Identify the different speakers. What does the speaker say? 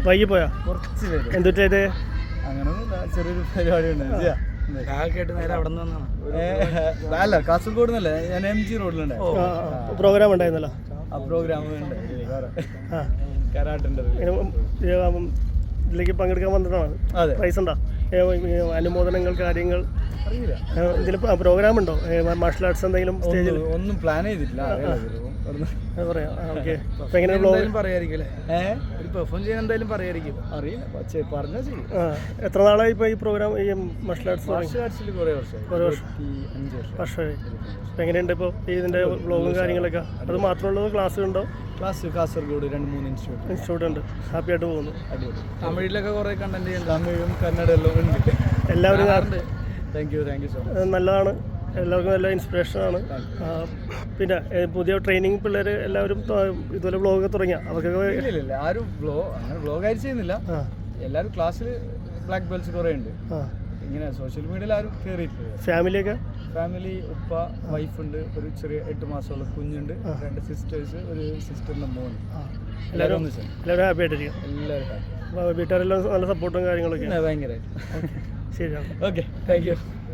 Speaker 1: വൈകി പോയാ
Speaker 2: കുറച്ച് പേര്
Speaker 1: എന്തുട്ടായിട്ട്
Speaker 2: അങ്ങനൊന്നുമില്ല, ചെറിയൊരു പരിപാടി ഉണ്ട്.
Speaker 3: കേട്ട് നേരെ അവിടെ നിന്ന് വന്നാണ്.
Speaker 2: അല്ല, കാസർഗോഡ് നിന്നല്ലേ, ഞാൻ MG റോഡിലുണ്ട്.
Speaker 1: പ്രോഗ്രാം ഉണ്ടായിരുന്നല്ലോ.
Speaker 2: ആ പ്രോഗ്രാം ഉണ്ട്,
Speaker 1: ആ
Speaker 2: കരാട്ടുണ്ട്.
Speaker 1: ഇതിലേക്ക് പങ്കെടുക്കാൻ വന്നിട്ടാണ്. പ്രൈസ് ഉണ്ടോ? അനുമോദനങ്ങൾ, കാര്യങ്ങൾ
Speaker 2: അറിയില്ല.
Speaker 1: ഇതിൽ പ്രോഗ്രാം ഉണ്ടോ? മാർഷൽ ആർട്സ് എന്തെങ്കിലും സ്റ്റേജിൽ?
Speaker 2: ഒന്നും പ്ലാൻ ചെയ്തിട്ടില്ല.
Speaker 1: പറയാം. ഓക്കെ. അപ്പോൾ എങ്ങനെ ബ്ലോഗ്
Speaker 3: പറയായിരിക്കും അല്ലേ? ഒരു പെർഫോം ചെയ്യാൻ എന്തായാലും പറയായിരിക്കും.
Speaker 2: അറിയില്ല, പറഞ്ഞാൽ ചെയ്യും.
Speaker 1: എത്ര നാളായി ഇപ്പോൾ ഈ പ്രോഗ്രാം, ഈ മാർഷൽ ആർട്സ്?
Speaker 2: മാർഷൽ ആർട്സിൽ കുറേ വർഷമായി. 5
Speaker 1: വർഷമായി. അപ്പോൾ എങ്ങനെയുണ്ട് ഇപ്പോൾ ഇതിൻ്റെ ബ്ലോഗും കാര്യങ്ങളൊക്കെ? അത് മാത്രമുള്ളത് ക്ലാസ് ഉണ്ടോ?
Speaker 2: ക്ലാസ് കാസർഗോഡ് 2-3
Speaker 1: ഇൻസ്റ്റിറ്റ്യൂട്ട് ഉണ്ട്. ഹാപ്പി ആയിട്ട് പോകുന്നു.
Speaker 2: അടിപൊളി.
Speaker 3: തമിഴിലൊക്കെ കുറേ കണ്ടന്റ് ചെയ്യുന്നുണ്ട്.
Speaker 2: തമിഴും കന്നഡ എല്ലാം ഉണ്ട്.
Speaker 1: എല്ലാവരും
Speaker 2: താങ്ക് യു സോ മച്ച്.
Speaker 1: നല്ലതാണ്. എല്ലാവർക്കും നല്ല ഇൻസ്പിറേഷനാണ്. പിന്നെ പുതിയ ട്രെയിനിങ് പിള്ളേർ എല്ലാവരും ഇതുപോലെ വ്ളോഗൊക്കെ തുടങ്ങിയ അവർക്കൊക്കെ
Speaker 2: ഇല്ല, ആരും അങ്ങനെ വ്ളോഗായിട്ട് ചെയ്യുന്നില്ല. എല്ലാവരും ക്ലാസ്സിൽ ബ്ലാക്ക് ബെൽറ്റ്സ് കുറേ ഉണ്ട്. ഇങ്ങനെ സോഷ്യൽ മീഡിയയിൽ ആരും കയറിയിട്ടില്ല. ഫാമിലി ഉപ്പ, വൈഫുണ്ട്, ഒരു ചെറിയ 8 മാസമുള്ള കുഞ്ഞുണ്ട്, 2 സിസ്റ്റേഴ്സ്, ഒരു സിസ്റ്ററിൻ്റെ മോൻ. എല്ലാവരും
Speaker 1: ഹാപ്പി ആയിട്ടിരിക്കും.
Speaker 2: എല്ലാവരും ഹാപ്പി.
Speaker 1: വീട്ടുകാരെല്ലാം നല്ല സപ്പോർട്ടും കാര്യങ്ങളൊക്കെ
Speaker 2: ഭയങ്കരമായിട്ട്.
Speaker 1: ശരിയാണ്.
Speaker 2: Okay, thank U.